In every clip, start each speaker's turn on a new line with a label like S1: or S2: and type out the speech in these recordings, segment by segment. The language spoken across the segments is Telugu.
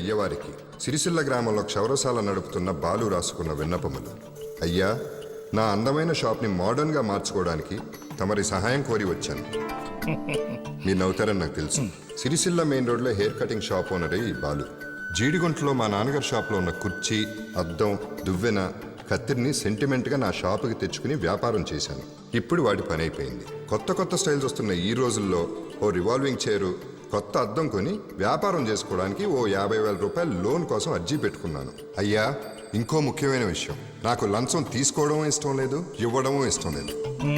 S1: అయ్యవారికి సిరిసిల్ల గ్రామంలో క్షౌరశాల నడుపుతున్న బాలు రాసుకున్న విన్నపములు. అయ్యా, నా అందమైన షాప్ని మోడర్న్గా మార్చుకోవడానికి తమరి సహాయం కోరి వచ్చాను. మీరు నవ్వుతారని నాకు తెలుసు. సిరిసిల్ల మెయిన్ రోడ్లో హెయిర్ కటింగ్ షాప్ ఓనరే ఈ బాలు. జీడిగుంటలో మా నాన్నగారి షాప్లో ఉన్న కుర్చీ, అద్దం, దువ్వెన, కత్తిరిని సెంటిమెంట్గా నా షాపుకి తెచ్చుకుని వ్యాపారం చేశాను. ఇప్పుడు వాటి పని అయిపోయింది. కొత్త స్టైల్స్ వస్తున్న ఈ రోజుల్లో ఓ రివాల్వింగ్ చైరు, కొత్త అద్దం కొని వ్యాపారం చేసుకోవడానికి ఓ 50,000 రూపాయలు లోన్ కోసం అర్జీ పెట్టుకున్నాను. అయ్యా, ఇంకో ముఖ్యమైన విషయం, నాకు లంచం తీసుకోవడం ఇష్టం లేదు, ఇవ్వడం ఇష్టం లేదు.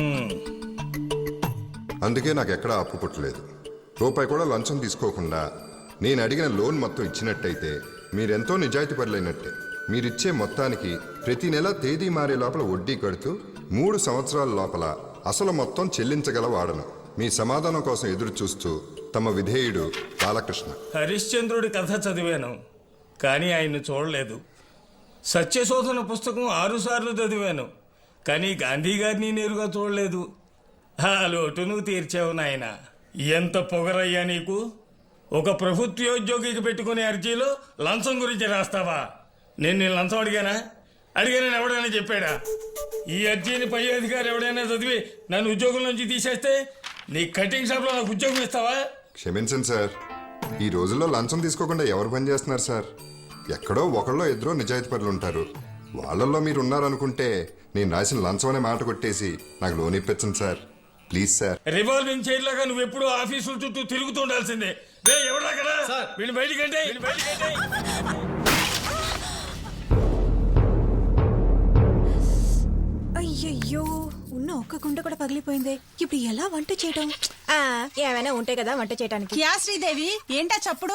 S1: అందుకే నాకు ఎక్కడా అప్పు పుట్టలేదు. రూపాయి కూడా లంచం తీసుకోకుండా నేను అడిగిన లోన్ మొత్తం ఇచ్చినట్టయితే మీరెంతో నిజాయితీ పరులైనట్టే. మీరిచ్చే మొత్తానికి ప్రతి నెల తేదీ మారే లోపల వడ్డీ కడుతూ 3 సంవత్సరాల లోపల అసలు మొత్తం చెల్లించగల వాడను. మీ సమాధానం కోసం ఎదురు చూస్తూ తమ విధేయుడు బాలకృష్ణ.
S2: హరిశ్చంద్రుడి కథ చదివాను, కానీ ఆయన్ను చూడలేదు. సత్యశోధన పుస్తకం 6 సార్లు చదివాను, కానీ గాంధీ గారిని నేరుగా చూడలేదు. ఆ లోటు నువ్వు తీర్చావు నాయన. ఎంత పొగరయ్యా నీకు! ఒక ప్రభుత్వోద్యోగికి పెట్టుకునే అర్జీలో లంచం గురించి రాస్తావా? నేను లంచం అడిగానని ఎవడైనా చెప్పాడా? ఈ అర్జీని పై అధికారి ఎవడైనా చదివి నన్ను ఉద్యోగం నుంచి తీసేస్తే నీ కటింగ్ షాప్లో నాకు ఉద్యోగం ఇస్తావా?
S1: క్షమించండి సార్, ఈ రోజుల్లో లంచం తీసుకోకుండా ఎవరు పని చేస్తున్నారు సార్? ఎక్కడో ఒకళ్ళో ఇద్దరో నిజాయితీ పరులు ఉంటారు. వాళ్ళల్లో మీరు ఉన్నారనుకుంటే నేను రాసిన లంచం అనే మాట కొట్టేసి నాకు లోన్ ఇప్పించండి sir, please sir.
S2: Revolving chair లాగా నువ్వు ఎప్పుడు ఆఫీసుల చుట్టూ తిరుగుతుండాల్సిందే. ఎవడక్కడ వీళ్ళు బయటికంటే
S3: అయ్యయ్యో, ఉన్న ఒక్క గుండె కూడా పగిలిపోయింది. ఇప్పుడు ఎలా వంట చేయటం? ఏమైనా ఉంటాయి కదా వంట చేయడానికి.
S4: యా శ్రీదేవి, ఏంటా చప్పుడు?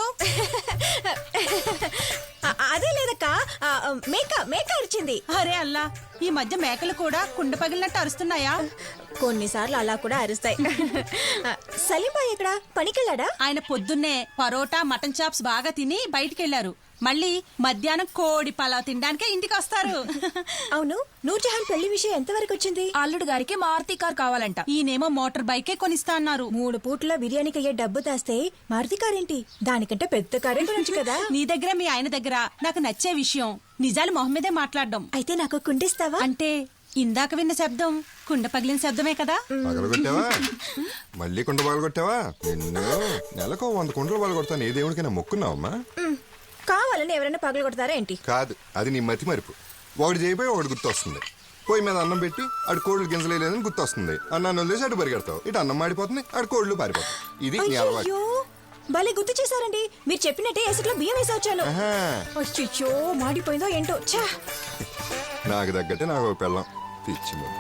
S3: అదే లేదక్క, మేక అరిచింది.
S4: అరే అల్లా, ఈ మధ్య మేకలు కూడా కుండ పగిలినట్టు అరుస్తున్నాయా?
S3: కొన్నిసార్లు అలా కూడా అరుస్తాయి. సలీంబాయ్ ఎక్కడ? పనికెళ్ళాడా?
S4: ఆయన పొద్దున్నే పరోటా, మటన్ చాప్స్ బాగా తిని బయటికెళ్లారు. మళ్ళీ మధ్యాహ్నం కోడి పలావ్ తినడానికే ఇంటికి వస్తారు.
S3: అవును, నూర్జహాన్ పెళ్లి విషయం ఎంతవరకు వచ్చింది?
S4: అల్లుడు గారికి మారుతి కార్ కావాలంట. ఈయనేమో మోటార్ బైకే కొనిస్తా అన్నారు.
S3: 3 పూట్ల బిర్యానీకి అయ్యే డబ్బు దాస్తే మారుతి కార్ ఏంటి? దానికంటే పెద్ద కారే కొనొచ్చు కదా.
S4: నీ దగ్గర మీ ఆయన దగ్గర నాకు నచ్చే విషయం నిజాలు మొహం మీదే మాట్లాడడం.
S3: అయితే నాకు కుండిస్తావా?
S4: అంటే ఇందాక విన్న శబ్దం కుండ పగిలిన శబ్దమే కదా?
S1: పగలగొట్టావా? మళ్ళీ కుండ పగలగొట్టావా? నిన్ను నెలకు 100 కుండలు పగలగొడతాను. ఏ దేవుడికైనా మొక్కున్నావమ్మా?
S3: కావాలని ఎవరైనా పగలు కొడతారా ఏంటి?
S1: కాదు, అది నీ మతి మరుపు. ఒకటి చేయిపోయి ఒకటి గుర్తు వస్తుంది. పొయ్యి మీద అన్నం పెట్టి అటు కోళ్ళు గింజలేదని గుర్తు వస్తుంది. అన్నాన్ని వదిలేసి అటు పరిగెడతావు. ఇటు అన్నం మాడిపోతుంది, అటు కోళ్ళు పారిపోతాయి. ఇది నీ అలవాటు.
S3: భలే గుర్తు చేశారండి. మీరు చెప్పినట్టే ఎసుట్లో బియ్యం వేసి వచ్చాను. అయ్యో, మాడిపోయిందో ఏంటో.
S1: నాకు తగ్గట్టే నాకు ఒక పెళ్ళం పిచ్చి ముద్దు.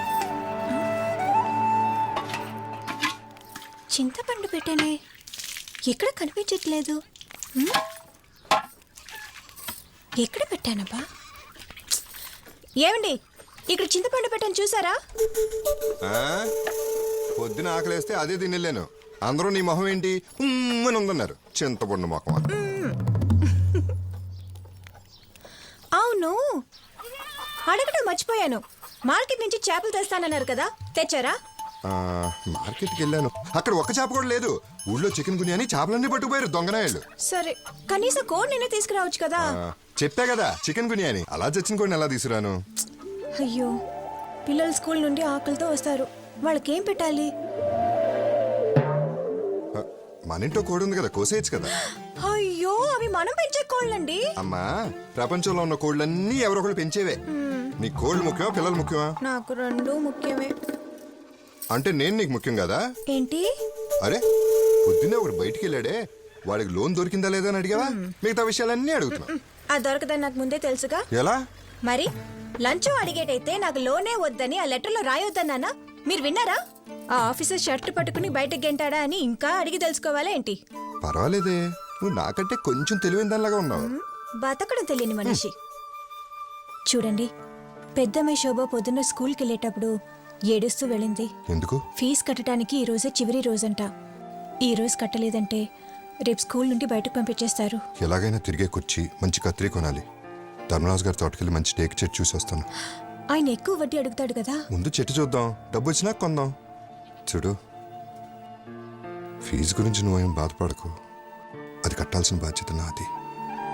S3: చింతపండు పెట్టానే, ఎక్కడ కనిపించట్లేదు. ఎక్కడ పెట్టానబ్బా? ఏమండి, ఇక్కడ చింతపండు పెట్టాను, చూసారా?
S1: పొద్దున ఆకలేస్తే అదే తినలేను. అందరూ నీ మొహం ఏంటి అని ఉందన్నారు. చింతపండు మొహం.
S3: అవును, అడగటం మర్చిపోయాను. మార్కెట్ నుంచి చేపలు తెస్తానన్నారు కదా, తెచ్చారా?
S1: మార్కెట్కి వెళ్ళాను, అక్కడ ఒక్క చేప కూడా లేదు. ఊళ్ళో చికెన్ గునియాని చేపలన్నీ పట్టుకుపోయారు దొంగనాయాలు.
S3: సరే, కనీసం కోడి నిన్న తీసుకురావచ్చు కదా.
S1: చెప్పా కదా చికెన్ గునియాని. అలా చచ్చిన కోడిని ఎలా తీసుకురాను?
S3: అయ్యో, పిల్లలు స్కూల్ నుండి ఆకలితో వస్తారు, వాళ్ళకేం పెట్టాలి?
S1: మన ఇంట్లో కోడి ఉంది కదా, కోసేయచ్చు కదా.
S3: అయ్యో, అవి మనం పెంచే కోళ్ళండి.
S1: అమ్మా, ప్రపంచంలో ఉన్న కోళ్ళన్నీ ఎవరొకరు పెంచేవే. నీ కోళ్ళు ముఖ్యమా, పిల్లలు ముఖ్యమా?
S3: నాకు 2 ముఖ్యమే.
S1: అంటే నేను నీకు ముఖ్యం కదా?
S3: ఏంటి?
S1: అరే, పొద్దున్నే ఒకడు బయటికి వెళ్ళాడే, వాడికి లోన్ దొరికిందా లేదా అని అడిగావా? మిగతా విషయాలన్నీ అడుగుతున్నా.
S3: అది దొరకదని నాకు ముందే తెలుసుగా.
S1: ఎలా
S3: మరి? లంచం అడిగేటైతే నాకు లోనే వద్దని ఆ లెటర్లో రాయొద్దన్నానా? మీరు విన్నారా? ఆ ఆఫీసర్ షర్ట్ పట్టుకుని బయటకు గెంటాడా అని ఇంకా అడిగి తెలుసుకోవాలా ఏంటి?
S1: పర్వాలేదే, నువ్వు నాకంటే కొంచెం తెలివైన దానిలాగా ఉన్నావు.
S3: బతకడం తెలియని మనిషి. చూడండి, పెద్దమ్మాయి శోభ పొద్దున్న స్కూల్కి వెళ్ళేటప్పుడు ఏడుస్తూ వెళ్ళింది.
S1: ఎందుకు?
S3: ఫీజు కట్టడానికి ఈ రోజే చివరి రోజంట. ఈ రోజు కట్టలేదంటే రేపు స్కూల్ నుండి బయటకు పంపించేస్తారు.
S1: ఎలాగైనా తిరిగే కుర్చీ, మంచి కత్తిరి కొనాలి. ధర్మరాజు గారి తోటకెళ్ళి మంచి టేక్ చెట్టు చూసి వస్తాను.
S3: ఆయన ఎక్కువ వడ్డీ అడుగుతాడు కదా.
S1: ముందు చెట్టు చూద్దాం, డబ్బు వచ్చినా కొందాం. చూడు, ఫీజు గురించి నువ్వేం బాధపడకు, అది కట్టాల్సిన బాధ్యత నాది.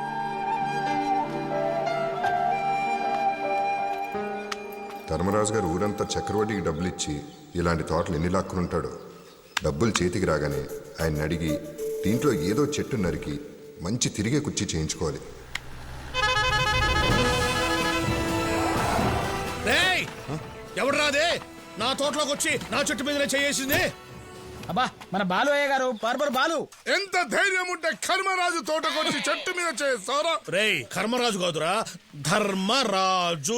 S1: ధర్మరాజు గారు ఊరంతా చక్రవడ్డీకి డబ్బులు ఇచ్చి ఇలాంటి తోటలు ఎన్ని లాక్కునుంటాడో. డబ్బులు చేతికి రాగానే ఆయన అడిగి దీంట్లో ఏదో చెట్టు నరికి మంచి తిరిగే కుర్చీ చేయించుకోవాలి.
S5: ఎవడు రాదే నా తోటలోకి వచ్చి నా చెట్టు మీద చేసింది?
S6: అబ్బా మన బాలు అయ్య గారు బార్బర్ బాలు.
S7: ఎంత ధైర్యం ఉంటే కర్మరాజు తోటకొచ్చి చెట్టు మీద చేస్తారా?
S5: రేయ్ కర్మరాజు కాదురా ధర్మరాజు.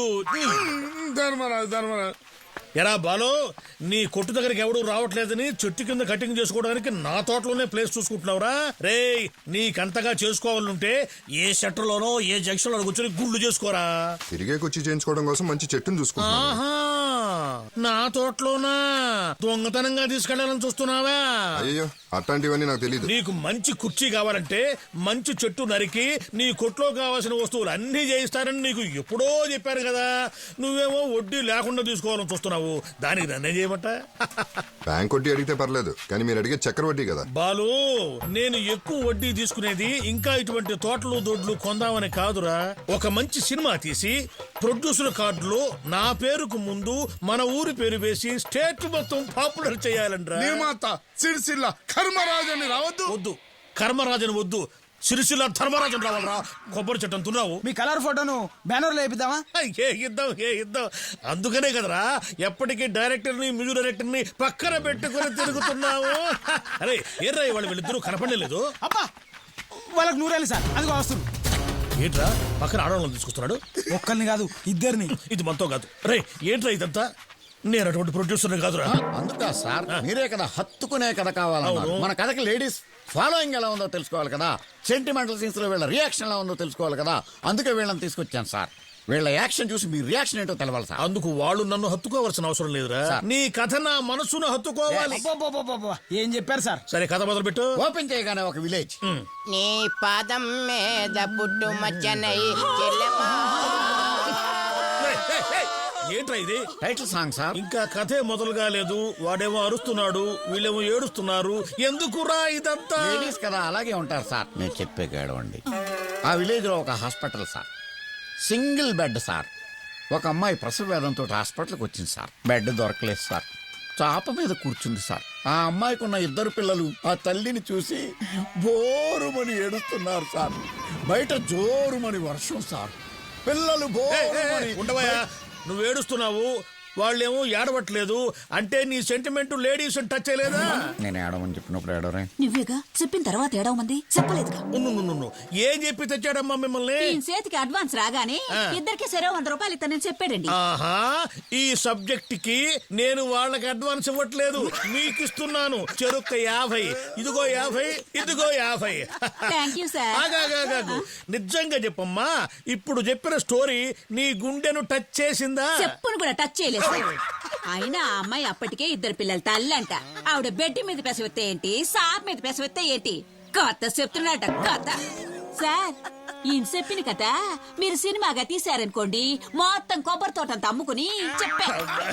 S7: ధర్మరాజు
S5: ఎరా బాలు, నీ కొట్టు దగ్గరికి ఎవడు రావట్లేదని చెట్టు కింద కటింగ్ చేసుకోవడానికి నా తోటలోనే ప్లేస్ చూసుకుంటున్నావురా? రేయ్ నీకంతగా చేసుకోవాలంటే ఏ సెంటర్లోనో ఏ జంక్షన్ లో కూర్చొని గుళ్ళు చేసుకోరా.
S1: తిరిగే కుర్చీ చేయించుకోవడం కోసం మంచి చెట్టును చూసుకుంటున్నాను.
S5: ఆహా నా తోటలోనా దొంగతనంగా తీసుకెళ్లాలని చూస్తున్నావా?
S1: అయ్యో అట్లాంటివన్నీ నాకు తెలియదు.
S5: నీకు మంచి కుర్చీ కావాలంటే మంచి చెట్టు నరికి నీ కొట్లో కావాల్సిన వస్తువులు అన్ని చేయిస్తారని నీకు ఎప్పుడో చెప్పారు కదా. నువ్వేమో వడ్డీ లేకుండా తీసుకోవాలని చూస్తున్నావు. దానికి నన్నే చేయమంట?
S1: బ్యాంక్ వడ్డీ అడిగితే పర్లేదు, కానీ మీరు అడిగే చక్రవడ్డీ కదా.
S5: బాలు, నేను ఎక్కువ వడ్డీ తీసుకునేది ఇంకా ఇటువంటి తోటలు దొడ్లు కొందామని కాదురా. ఒక మంచి సినిమా తీసి ప్రొడ్యూసర్ కార్డులో నా పేరుకు ముందు మన ఊరి పేరు వేసి స్టేట్ మొత్తం పాపులర్ చేయాలంట్రా.
S7: నిర్మాత సిరిసిల్ల కర్మరాజని రావద్దు.
S5: వద్దు, కర్మరాజన్ వద్దు, సిరిసిల్ల ధర్మరాజన్ రావాలరా. కొబ్బరి చెట్టు అంటున్నావు.
S6: మీ కలర్ ఫోటోను బ్యానర్ లో వేపిద్దామా?
S5: ఏ ఇద్దాం. అందుకనే కదరా ఎప్పటికీ డైరెక్టర్ ని మ్యూజిక్ డైరెక్టర్ ని పక్కన పెట్టుకుని తిరుగుతున్నావు. అరే ఏర్రా వాళ్ళు వీళ్ళిద్దరూ కనపడలేదు.
S6: అబ్బా వాళ్ళకి నూరేళ్ళు సార్, అదిగో వస్తుంది.
S5: ఏంట్రా పక్కన ఆడవాళ్ళని తీసుకొస్తున్నాడు?
S6: ఒక్కరిని కాదు ఇద్దరిని.
S5: ఇది మనతో కాదు. రే ఏంట్రా ఇదంతా? నేను అటువంటి ప్రొడ్యూసర్ కాదురా.
S8: అందుకా సార్ మీరే కదా హత్తుకునే కథ కావాలన్నారు. మన కథకి లేడీస్ ఫాలోయింగ్ ఎలా ఉందో తెలుసుకోవాలి కదా. సెంటిమెంటల్ సీన్స్ లో వీళ్ళ రియాక్షన్ ఎలా ఉందో తెలుసుకోవాలి కదా. అందుకే వీళ్ళని తీసుకొచ్చాను సార్. వీళ్ళ యాక్షన్ చూసి మీ రియాక్షన్ ఏంటో తెలవాలి సార్.
S5: అందుకు వాళ్ళు నన్ను హత్తుకోవాల్సిన అవసరం లేదురా. నీ కథ నా మనసును హత్తుకోవాలి.
S6: అబ్బబ్బబ్బబ్బబ్బ, ఏం చెప్పారు సార్?
S5: సరే కథ మొదలు పెట్టు.
S8: ఓపెన్ చేయగానే ఒక విలేజ్.
S9: నీ పాదం మీద పుట్టు మచ్చనై చెల్లెమా.
S5: ఏంట్రా ఇది?
S8: Title song sir.
S5: ఇంకా కథే మొదలు కాలేదు, వాడేమో అరుస్తున్నాడు, వీళ్ళేమో ఏడుస్తున్నారు. ఎందుకురా ఇదంతా?
S8: లేడీస్ కదా అలాగే ఉంటారు సార్. నేను చెప్పే గడవండి. ఆ విలేజ్ లో ఒక hospital sir. Single bed sir. ఒక అమ్మాయి ప్రసవ వేదంతో హాస్పిటల్కి వచ్చింది సార్. బెడ్ దొరకలేదు సార్. చాప మీద కూర్చుంది సార్. ఆ అమ్మాయికి ఉన్న ఇద్దరు పిల్లలు ఆ తల్లిని చూసి బోరుమని ఏడుస్తున్నారు సార్. బయట జోరుమని వర్షం సార్. పిల్లలు బోరుమని.
S5: ఉండవయ్యా, నువ్వు ఏడుస్తున్నావు, వాళ్ళేమో ఏడవట్లేదు. అంటే నీ సెంటిమెంట్ లేడీస్ టచ్ చేయలేదా?
S8: నేను ఏడవని చెప్పినప్పుడు ఏడవరే.
S10: నువ్వేగా చెప్పిన తర్వాత ఏడవమంది చెప్పలేదుగా.
S5: ఏం చెప్పి తెచ్చాడమ్మా మిమ్మల్ని?
S10: ఈయన చేతికి అడ్వాన్స్ రాగానే ఇద్దరికి సరే 100 రూపాయలు ఇస్తానని చెప్పాడండి.
S5: ఆహా, ఈ సబ్జెక్ట్ కి నేను వాళ్ళకి అడ్వాన్స్ ఇవ్వట్లేదు, మీకు ఇస్తున్నాను. చెరుక్క 50, ఇదిగో 50, ఇదిగో 50.
S10: Thank you sir.
S5: ఆగాగాగాగు. నిజంగా చెప్పమ్మా, ఇప్పుడు చెప్పిన స్టోరీ నీ గుండెను టచ్ చేసిందా?
S10: చెప్పును కూడా టచ్ చేయలేదు సార్. అయినా ఆ అమ్మాయి అప్పటికే 2 పిల్లల తల్లంట. ఆవిడ బెడ్ మీద పెసవెత్తే ఏంటి, సాప్ మీద పెసవెత్తే ఏంటి, కథ చెప్తున్నాట కథ. సార్ ఈయన చెప్పిన కథ మీరు సినిమాగా తీశారనుకోండి, మొత్తం కొబ్బరి తోటంతా అమ్ముకుని చెప్పా.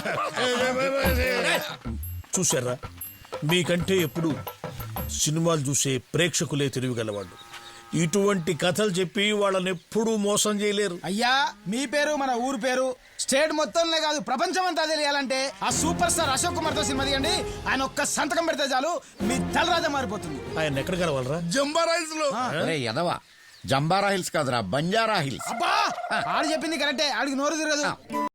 S5: చూసారా, మీకంటే ఎప్పుడు సినిమాలు చూసే ప్రేక్షకులే తెలివిగలవాళ్ళు. ఇటువంటి కథలు చెప్పి వాళ్ళని ఎప్పుడూ మోసం చేయలేరు.
S6: అయ్యా మీ పేరు మన ఊరు పేరు స్టేట్ మొత్తంలో కాదు ప్రపంచం అంతా తెలియాలంటే ఆ సూపర్ స్టార్ అశోక్ కుమార్ తో సినిమా తీయండి. ఆయన ఒక్క సంతకం పెడితే చాలు మీ తలరాజా మారిపోతుంది.
S5: ఆయన ఎక్కడ కలవాలరా?
S7: జంబారాయిస్ లో.
S8: ఎదవా, జంబారా హిల్స్ కాదురా, బంజారా హిల్స్.
S6: అబ్బా ఆడు చెప్పింది కరెక్టే, ఆడికి నోరు తిరగదు.